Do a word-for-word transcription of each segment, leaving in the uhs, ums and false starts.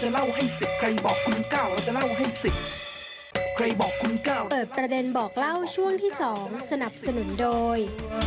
จะเล่าให้สิบใครบอกคุณเก้าเราจะเล่าให้สิบใครบอกคุณเก้าเปิดประเด็นบอกเล่าช่วงที่สองสนับสนุนโดย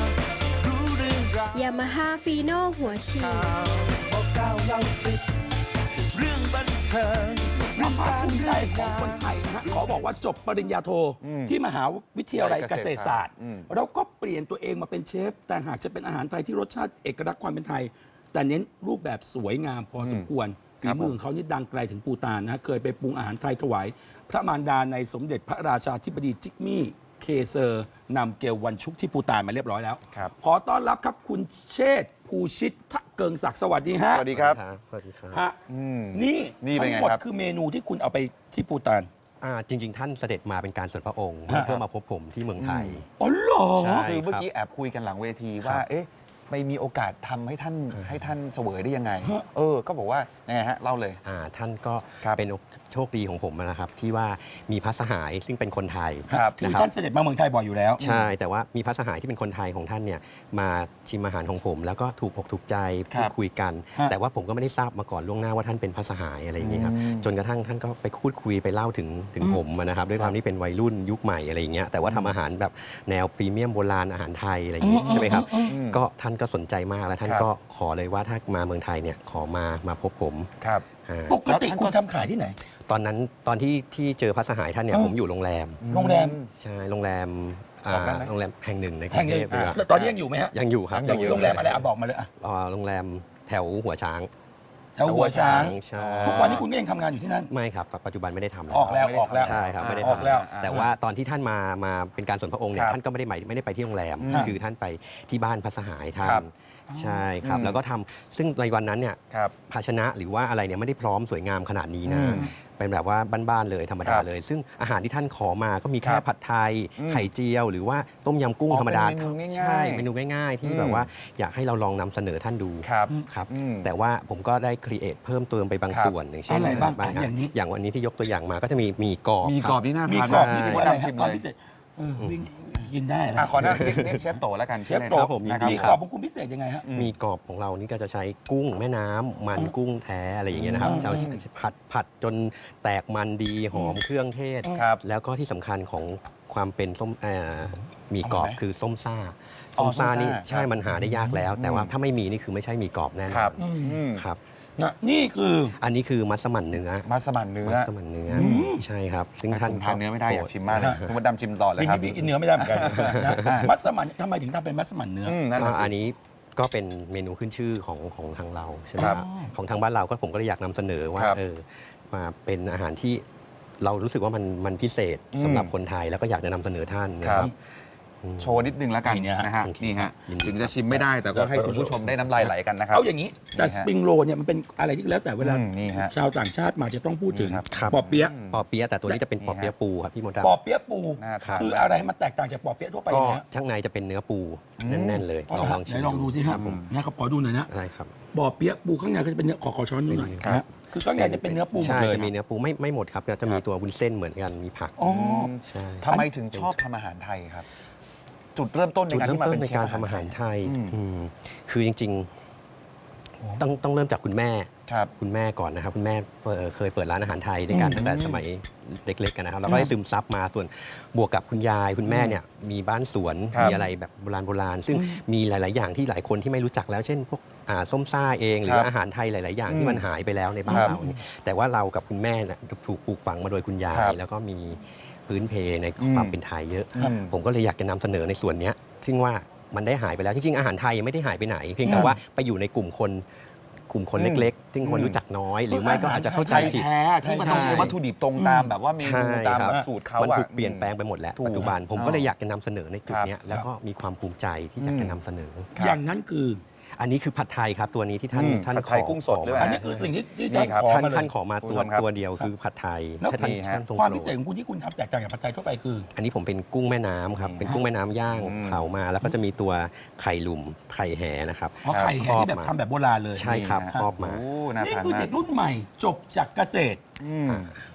ยามาฮ่าฟีโน่หัวฉีดบอกเก้าเล่าสิบเรื่องบันเทิงความภาคภูมิใจของคนไทยนะฮะขอบอกว่าจบปริญญาโทที่มหาวิทยาลัยเกษตรศาสตร์แล้วก็เปลี่ยนตัวเองมาเป็นเชฟแต่หากจะเป็นอาหารไทยที่รสชาติเอกลักษณ์ความเป็นไทย แต่เน้นรูปแบบสวยงามพอสมควรฝีมือของเขานี่ดังไกลถึงปูตานนะฮะเคยไปปรุงอาหารไทยถวายพระมารดาในสมเด็จพระราชาธิบดีจิกมี่เคเซอร์นำเกลวันชุกที่ปูตานมาเรียบร้อยแล้วขอต้อนรับครับคุณเชษฐ์ภูชิตทะเกิงศักดิ์สวัสดีฮะสวัสดีครับสวัสดีครับฮะนี่ทั้งหมดคือเมนูที่คุณเอาไปที่ปูตานอ่าจริง ๆ ท่านเสด็จมาเป็นการส่วนพระองค์เพื่อมาพบผมที่เมืองไทยอ๋อเหรอคือเมื่อกี้แอบคุยกันหลังเวทีว่าเอ๊ะไปมีโอกาสทำให้ท่านให้ท่านเสวยได้ยังไงเออก็บอกว่ายังไงฮะเล่าเลยอ่าท่านก็เป็นโชคดีของผมนะครับที่ว่ามีพระสหายซึ่งเป็นคนไทยคือท่านเสด็จมาเมืองไทยบ่อยอยู่แล้วใช่แต่ว่ามีพระสหายที่เป็นคนไทยของท่านเนี่ยมาชิมอาหารของผม แล้วก็ถูกอกถูกใจพูดคุยกัน แต่ว่าผมก็ไม่ได้ทราบมาก่อนล่วงหน้าว่าท่านเป็นพระสหายอะไรอย่างนี้ครับจนกระทั่งท่านก็ไปพูดคุยไปเล่าถึงถึงผมนะครับด้วยความที่เป็นวัยรุ่นยุคใหม่อะไรอย่างเงี้ยแต่ว่าทำอาหารแบบแนวพรีเมียมโบราณอาหารไทยอะไรอย่างนี้ใช่ไหมครับก็ท่านก็สนใจมากแล้วท่านก็ขอเลยว่าถ้ามาเมืองไทยเนี่ยขอมามาพบผมครับปกติคุณทำขายที่ไหนตอนนั้นตอนที่ที่เจอพระสหายท่านเนี่ยผมอยู่โรงแรมโรงแรมใช่โรงแรมโรงแรมแห่งหนึ่งในกรุงเทพตอนนี้ยังอยู่ไหมฮะยังอยู่ครับยังอยู่โรงแรมอะไรอ่ะบอกมาเลยอ่ะโรงแรมแถวหัวช้างแถวหัวช้างทุกวันนี้คุณก็ยังทำงานอยู่ที่นั่นไม่ครับปัจจุบันไม่ได้ทำแล้วออกแล้วออกแล้วใช่ครับไม่ได้ทำแล้วแต่ว่าตอนที่ท่านมามาเป็นการส่วนพระองค์เนี่ยท่านก็ไม่ได้ไม่ได้ไปที่โรงแรมคือท่านไปที่บ้านพระสหายท่านใช่ครับแล้วก็ทำซึ่งในวันนั้นเนี่ยภาชนะหรือว่าอะไรเนี่ยไม่ได้พร้อมสวยงามขนาดนี้นะเป็นแบบว่าบ้านๆเลยธรรมดาเลยซึ่งอาหารที่ท่านขอมาก็มีแค่ผัดไทยไข่เจียวหรือว่าต้มยำกุ้งธรรมดาใช่เมนูง่ายๆที่แบบว่าอยากให้เราลองนำเสนอท่านดูครับแต่ว่าผมก็ได้ครีเอทเพิ่มเติมไปบางส่วนอย่างเช่นอะไรบ้างอย่างนี้อย่างวันนี้ที่ยกตัวอย่างมาก็จะมีมีกรอบมีกรอบที่น่าทานมีกรอบนี่เป็นอะไรครับความพิเศษกินได้ขอหน้าเรียกเชฟโตแล้วกันเชฟโตผมมีกรอบของคุณพิเศษยังไงฮะมีกรอบของเรานี่ก็จะใช้กุ้งแม่น้ำมันกุ้งแท้อะไรอย่างเงี้ยนะครับเราผัดผัดจนแตกมันดีหอมเครื่องเทศแล้วก็ที่สำคัญของความเป็นส้มมีกรอบคือส้มซ่าส้มซ่านี่ใช่มันหาได้ยากแล้วแต่ว่าถ้าไม่มีนี่คือไม่ใช่มีกรอบแน่นอนครับนี่คืออันนี้คือมัสมั่นเนื้อมัสมั่นเนื้อมัสมั่นเนื้อใช่ครับซึ่งท่านทานเนื้อไม่ได้อยากชิมมากเลยคุณมดดำชิมต่อเลยครับพี่กินเนื้อไม่ได้เหมือนกันมัสมั่นทำไมถึงทำเป็นมัสมั่นเนื้ออันนี้ก็เป็นเมนูขึ้นชื่อของของทางเราใช่ไหมครับของทางบ้านเราก็ผมก็เลยอยากนำเสนอว่าเออมาเป็นอาหารที่เรารู้สึกว่ามันมันพิเศษสำหรับคนไทยแล้วก็อยากจะนำเสนอท่านนะครับโชว์นิดนึงแล้วกันนะฮะนี่ฮะถึงจะชิมไม่ได้แต่ก็ให้คุณผู้ชมได้น้ำลายไหลกันนะครับเอาอย่างนี้แต่สปริงโรลเนี่ยมันเป็นอะไรที่แล้วแต่เวลาชาวต่างชาติมาจะต้องพูดถึงปอเปี๊ยะปอเปี๊ยะแต่ตัวนี้จะเป็นปอเปี๊ยะปูครับพี่มดดำปอเปี๊ยะปูคืออะไรมันแตกต่างจากปอเปี๊ยะทั่วไปก็ข้างในจะเป็นเนื้อปูแน่นๆเลยลองชิมลองดูสิครับผมนะครับขอดูหน่อยนะได้ครับปอเปี๊ยะปูข้างในก็จะเป็นเนื้อขอขอช้อนดูหน่อยนะคือข้างในจะเป็นเนื้อปูใช่จะมีเนื้อปูไม่ไม่หมดครับจะมีตัววุ้นเส้นเหมือนกันมีผักอ๋อใช่ทำไมถึงชอบทำอาหารไทยครับจุดเริ่มต้นในการที่มาเป็นในการทำอาหารไทยคือจริงๆต้องต้องเริ่มจากคุณแม่คุณแม่ก่อนนะครับคุณแม่เคยเปิดร้านอาหารไทยด้วยกันตั้งแต่สมัยเล็กๆกันนะครับแล้วก็ได้ซึมซับมาส่วนบวกกับคุณยายคุณแม่เนี่ยมีบ้านสวนมีอะไรแบบโบราณโบราณซึ่งมีหลายๆอย่างที่หลายคนที่ไม่รู้จักแล้วเช่นพวกส้มซ่าเองหรืออาหารไทยหลายๆอย่างที่มันหายไปแล้วในบ้านเราแต่ว่าเรากับคุณแม่ถูกปลูกฝังมาโดยคุณยายแล้วก็มีพื้นเพในความเป็นไทยเยอะผมก็เลยอยากจะนำเสนอในส่วนนี้ซึ่งว่ามันได้หายไปแล้วจริงๆอาหารไทยยังไม่ได้หายไปไหนเพียงแต่ว่าไปอยู่ในกลุ่มคนกลุ่มคนเล็กๆซึ่งคนรู้จักน้อยหรือไม่ก็อาจจะเข้าใจผิดแท้ที่มันต้องใช้วัตถุดิบตรงตามแบบว่าเมนูตามแบบสูตรเขามันถูกเปลี่ยนแปลงไปหมดแล้วปัจจุบันผมก็เลยอยากจะนำเสนอในจุดนี้แล้วก็มีความภูมิใจที่อยากจะนำเสนออย่างนั้นคืออันนี้คือผัดไทยครับตัวนี้ที่ท่านท่านขอกุ้งสดด้วยอันนี้คือสิ่งที่ท่านขอท่านขอมาตัวตัวเดียวคือผัดไทยแล้วความพิเศษของคุณที่คุณทำแตกต่างจากผัดไทยทั่วไปคืออันนี้ผมเป็นกุ้งแม่น้ำครับเป็นกุ้งแม่น้ำย่างเผามาแล้วก็จะมีตัวไข่หลุมไข่แห่นะครับไข่แห่ที่แบบทำแบบโบราณเลยใช่ครับครอบมานี่คือเด็กรุ่นใหม่จบจากเกษตร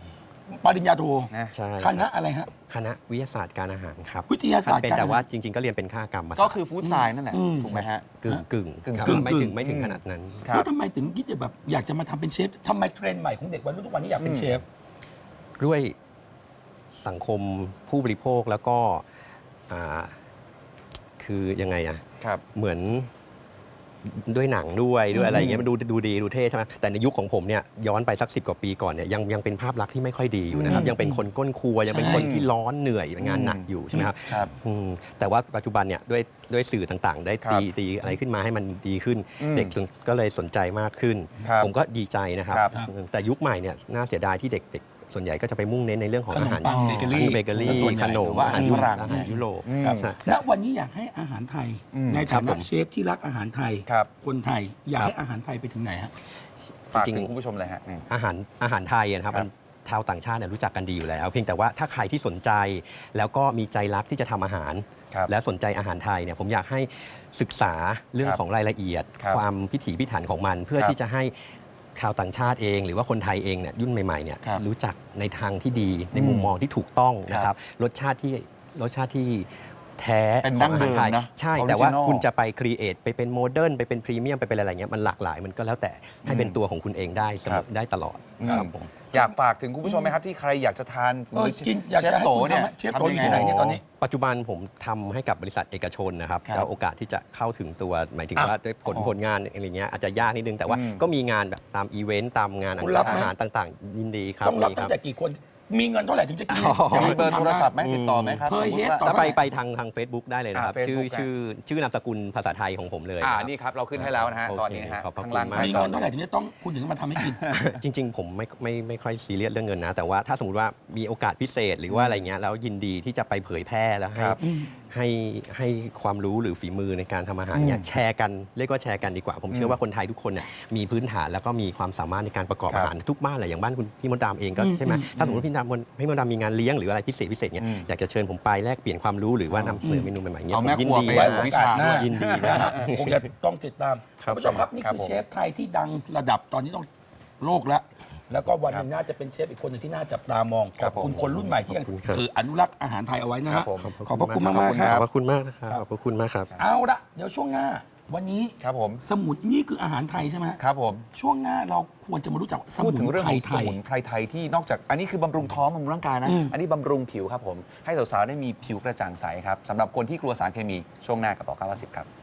ปริญญาโทนะใช่คณะอะไรฮะคณะวิทยาศาสตร์การอาหารครับวิทยาศาสตร์เป็นการแต่ว่าอาหารจริง ๆ ก็เรียนเป็นค่ากรรมศาสตร์ก็คือฟู้ดไซน์นั่นแหละอืมถูกไหมฮะกึ่งกึ่งกึ่งครับกึ่งไม่ถึกึ่งงไม่ถึงขนาดนั้นครับแล้วทำไมถึงคิดจะแบบอยากจะมาทำเป็นเชฟทำไมเทรนด์ใหม่ของเด็กวัยรุ่นทุกวันนี้อยากเป็นเชฟด้วยสังคมผู้บริโภคแล้วก็อ่าคือยังไงอะครับเหมือนด้วยหนังด้วยด้วยอะไรอย่างเงี้ยมันดูดูดีดูเท่ใช่ไหมแต่ในยุคของผมเนี่ยย้อนไปสักสิบกว่าปีก่อนเนี่ยยังยังเป็นภาพลักษณ์ที่ไม่ค่อยดีอยู่นะครับอืมยังเป็นคนก้นครัวยังเป็นใช่คนที่ร้อนเหนื่อยงานหนักอยู่ใช่ไหมครับครับอืมแต่ว่าปัจจุบันเนี่ยด้วยด้วยสื่อต่างๆ ได้ครับตีตีอะไรขึ้นมาให้มันดีขึ้นอืมเด็กก็เลยสนใจมากขึ้นครับผมก็ดีใจนะครับครับอืมแต่ยุคใหม่เนี่ยน่าเสียดายที่เด็กๆ ส่วนใหญ่ก็จะไปมุ่งเน้นในเรื่องของขนมอาหารปังเบเกอรี่เบเกอรี่ส่วนใหญ่ขนมหรือว่าอาหารฝรั่งอาหารยุโรปอืมครับใช่ณวันนี้อยากให้อาหารไทยอืมในครัฐาบผนะมเชฟที่รักอาหารไทยครับคนไทยอยากครับให้อาหารไทยไปถึงไหนฮะฝากจริงถึงคุณผู้ชมเลยฮะอืมอาหารอาหารไทยอะนะครับครับมันชาวต่างชาติเนี่ยรู้จักกันดีอยู่แล้ว เพียงแต่ว่าถ้าใครที่สนใจ แล้วก็มีใจรักที่จะทำอาหารครับและสนใจอาหารไทยเนี่ยผมอยากให้ศึกษาเรื่องครับของรายละเอียดครับความพิถีพิถันของมัน เพื่อครับที่จะให้ชาวต่างชาติเอง หรือว่าคนไทยเองเนี่ยรุ่นใหม่ๆเนี่ยครับรู้จักในทางที่ดีในอืมมุมมองที่ถูกต้องนะคครัรับบ รสชาติที่รสชาติที่แท้เป็นของอาหารไทยดั้งเดิมนะใช่ Original แต่ว่าคุณจะไปครีเอทไปเป็นโมเดิร์นไปเป็นพรีเมียมไปเป็นอะไรเงี้ยมันหลากหลายมันก็แล้วแต่ให้เป็นตัวของคุณเองได้เสมครัอบ ได้ตลอดอืมครับผมอยากฝากถึงคุณผู้ชมไหมครับที่ใครอยากจะทานเออกินอยากเชจะฟให้โตคุณเนี่ยทำเชฟโตอยู่ที่ไหนเนี่ยตอนนี้ปัจจุบันผมทำให้กับบริษัทเอกชนนะครับครับแล้วโอกาสที่จะเข้าถึงตัวหมายถึงอ่ะว่าด้วยผลอ๋อผลงานอะไรเงี้ยอาจจะยากนิดนึงแต่ว่าอืมก็มีงานแบบตามอีเวนต์ตามงานคุณรับไหมอาหารต่างๆ ยินดีครับต้องรับมีตั้คงแต่กี่คนมีเงินเท่าไหร่ถึงจะกินอ๋อจะมีให้เบอร์คุณโททำรศัพท์ไหมติดต่อไหมครับเคยเฮ็ดสมมุติว่าต่อถ้าไปไปทางทาง Facebook ได้เลยนะครับอ่าชื่อ Facebook ชื่อชื่อนามสกุลภาษาไทยของผมเลยอ่าครับนี่ครับเราขึ้นให้แล้วนะฮะโอเคตอนนี้นะฮะขอบพระข้างล่างคุณหมากมีน้าจอเงินเท่าไหร่ถึงจะต้องคุณถึงมาทำให้กินจริง ๆ ผมไม่ไม่ไม่ค่อยซีเรียสเรื่องเงินนะ แต่ว่าถ้าสมมติว่ามีโอกาสพิเศษหรือว่าอะไรเงี้ยแล้วยินดีที่จะไปเผยแพร่แล้วให้ครับให้ให้ความรู้หรือฝีมือในการทำอาหารเนี่ยแชร์กันเรียกว่าแชร์กันดีกว่า ผมเชื่อว่าคนไทยทุกคนเนี่ยมีพื้นฐานแล้วก็มีความสามารถในการประกอบครับอาหารทุกบ้านแหละอย่างบ้านคุณพี่มดดามเองก็อืมใช่ไหมอืมถ้าสมมติพี่มดดามพี่มดดามมีงานเลี้ยงหรืออะไรพิเศษพิเศษเนี่ยอืมอยากจะเชิญผมไปแลกเปลี่ยนความรู้หรือว่านำเสนอเมนูใหม่ๆเนี่ยเอาผมแม่ยินครัวดีไปไว้นะโอกาสหน้ายินดีนะนะฮะคงจะต้องติดตามครับคุณผู้ชมครับนี่ครับคือผมเชฟไทยที่ดังระดับตอนนี้ต้องโลกแล้ว แล้วก็วันหนึ่งน่าจะเป็นเชฟอีกคนหนึ่งที่น่าจับตามองขครัอบบ ผมคุณคนรุ่นใหม่ที่ยังขอบคุณครับเอออนุรักษ์อาหารไทยเอาไว้นะครัฮะบผมขอบพระคุณมากขอบมากคุณคครัรับขอบพระคุณมากนะครับขอบพระคุณมากครับเอาละเดี๋ยวช่วงหน้า วันนี้ครับผมสมุนนี่คืออาหารไทยใช่ไหมฮะครับผมช่วงหน้าเราควรจะมารู้จักสพูมุดนถึงเรื่องไพขรองไทสยมุนไพรไทยที่นอกจากอันนี้คือบำรุงท้องบำรุงร่างกายนะอืมอันนี้บำรุงผิวครับผม ให้สาวๆได้มีผิวกระจ่างใสครับสำหรับคนที่กลัวสารเคมีช่วงหน้ากับต่อเก้าสิบครับ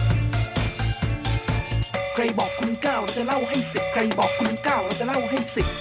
ใครบอกคุณเก้าเราจะเล่าให้สิบใครบอกคุณเก้าเราจะเล่าให้สิบ